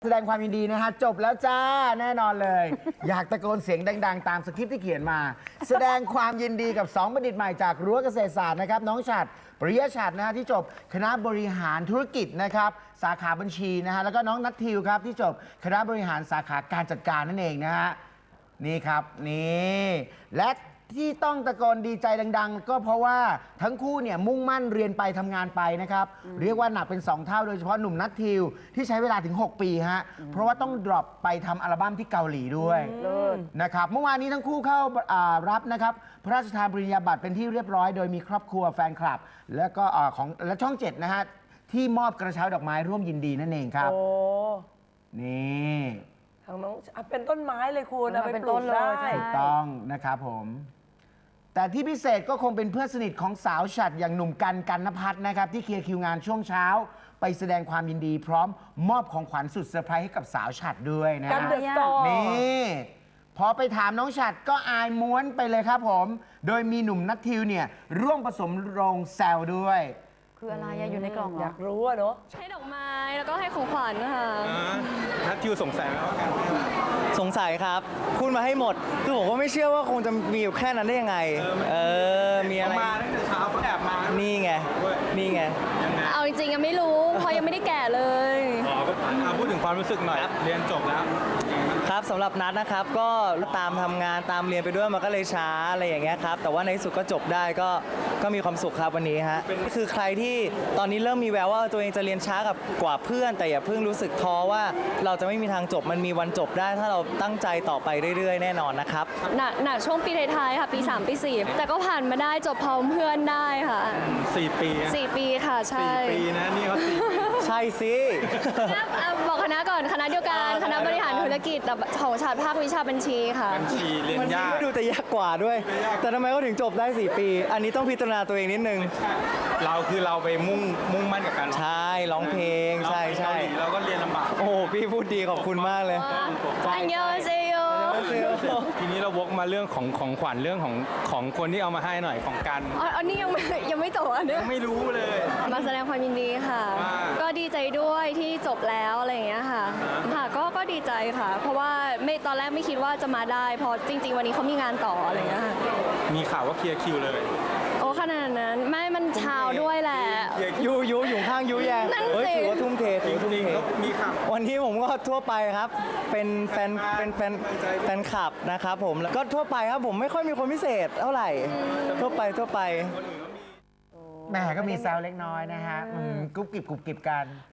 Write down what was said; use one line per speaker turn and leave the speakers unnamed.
แสดงความยินดีนะฮะจบแล้วจ้าแน่นอนเลย อยากตะโกนเสียงดังๆ ตามสคริปต์ที่เขียนมา แสดงความยินดีกับ2บัณฑิตใหม่จากรั้วเกษตรศาสตร์นะครับน้องฉัตรปริยฉัตรนะฮะที่จบคณะบริหารธุรกิจนะครับสาขาบัญชีนะฮะแล้วก็น้องนัททิวครับที่จบคณะบริหารสาขาการจัดการนั่นเองนะฮะนี่ครับนี่และที่ต้องตะโกนดีใจดังๆ ก็เพราะว่าทั้งคู่เนี่ยมุ่งมั่นเรียนไปทำงานไปนะครับเรียกว่าหนักเป็น 2 เท่าโดยเฉพาะหนุ่มนัททิวที่ใช้เวลาถึง 6 ปีฮะเพราะว่าต้องดรอปไปทำอัลบั้มที่เกาหลีด้วยนะครับเมื่อวานนี้ทั้งคู่เข้ารับนะครับพระราชทานปริญญาบัตรเป็นที่เรียบร้อยโดยมีครอบครัวแฟนคลับ แล้วก็และช่อง 7 นะฮะที่มอบกระเช้าดอกไม้ร่วมยินดีนั่นเองครับ
โอ้
นี่
ทางน้องเป็นต้นไม้เลยคุณเอาไป
เป็น
ปลู
ต้
ก
นเลย
ได้
ใช่
ถูกต้องนะครับผม แต่ที่พิเศษก็คงเป็นเพื่อนสนิทของสาวฉัตรอย่างหนุ่มกันนภัทรนะครับที่เคลียร์คิวงานช่วงเช้า ไปแสดงความยินดีพร้อมมอบของขวัญสุดเซอร์ไพรส์ให้กับสาวฉัตรด้วยนะ
กันเดอะสตอร์
นี่พอไปถามน้องฉัตรก็อายม้วนไปเลยครับผม โดยมีหนุ่มนัททิวเนี่ยร่วมผสมโรงแซวด้วย
คืออะไรอะอยู่ในกล่องเหร
อ
อ
ยากรู้อะเนาะ
ให้ดอกไม้แล้วก็ให้ของขวัญค่ะ
นัททิวสงสัยไหมว่าการให้อะไร
สงสัยครับพูดมาให้หมด คือผมก็ไม่เชื่อว่าคงจะมีอยู่แค่นั้นได้ยังไง มีอะไร
เขามาตั้งแต่เช้าเขาแอบมา
นี่ไง นี่ไง
ยังไง
เอาจริงๆยังไม่รู้ เพราะยังไม่ได้แก่เลย
อ๋อก็พูดถึงความรู้สึกหน่อย เรียนจบแล้ว
ครับสำหรับนัดนะครับก็ตามทำงานตามเรียนไปด้วยมันก็เลยช้าอะไรอย่างเงี้ยครับแต่ว่าในที่สุดก็จบได้ก็มีความสุขครับวันนี้ฮะคือใครที่ตอนนี้เริ่มมีแววว่าตัวเองจะเรียนช้ากว่าเพื่อน แต่อย่าเพิ่งรู้สึกท้อว่าเราจะไม่มีทางจบมันมีวันจบได้ ถ้าเราตั้งใจต่อไปเรื่อยๆ แน่นอนนะครับ
หนักช่วงปีท้ายๆค่ะ ปี 3 ปี 4 แต่ก็ผ่านมาได้จบพร้อมเพื่อนได้ค่ะ
4 ปีอะ
4 ปีค่ะ ใช่
4 ปีนะ นี่เขา4 ปี
ใช่สิ
บอกคณะก่อนคณะเดียวกันคณะบริหารธุรกิจแต่ของชาติภาควิชาบัญชีค่ะ
บัญชีเรียน
มัน
ยาก
ดูแต่ยากกว่าด้วย แต่ทำไมเขาถึงจบได้ 4 ปี อันนี้ต้องพิจารณาตัวเองนิดนึง
เราไปมุ่งมั่นกับการร้อง
ใช่ร้องเพลงใช่
เราไปเกาหลีเราก็เรียนลำบาก
โอ้โหพี่พูดดีขอบคุณมากเลย
อันยองเซโย
ทีนี้เราวกมาเรื่องของขวัญเรื่องของคนที่เอามาให้หน่อยของกัน
อันนี้ยังไม่จบอันเนี้ย
ไม่รู้เลย
มาแสดงความยินดีค่ะ
ว่า
ก็ดีใจด้วยที่จบแล้วอะไรอย่างเงี้ยค่ะ ค่ะก็ดีใจค่ะ เพราะว่าตอนแรกไม่คิดว่าจะมาได้เพราะจริง ๆ วันนี้เขามีงานต่ออะไรอย่างเงี้ยค่ะ
มีข่าวว่าเคลียร์คิวเลย
โอ้ขนาดนั้นไม่มันเช้าด้วยแหละ
ยูอยู่ข้างยูแยง
นั่น
เฮ้ย
สิ
ถือว่าทุ่มเทถือว่าทุ่ม
จริง
เท
ๆเขามีข่าว
วันนี้ผมก็ทั่วไปครับ เป็นแฟนคลับนะครับผมแล้วก็ทั่วไปครับผมไม่ค่อยมีคนพิเศษเท่าไหร่ ทั่วไป
แหม่ก็มีแซวเล็กน้อยนะฮะกรุบกริบกัน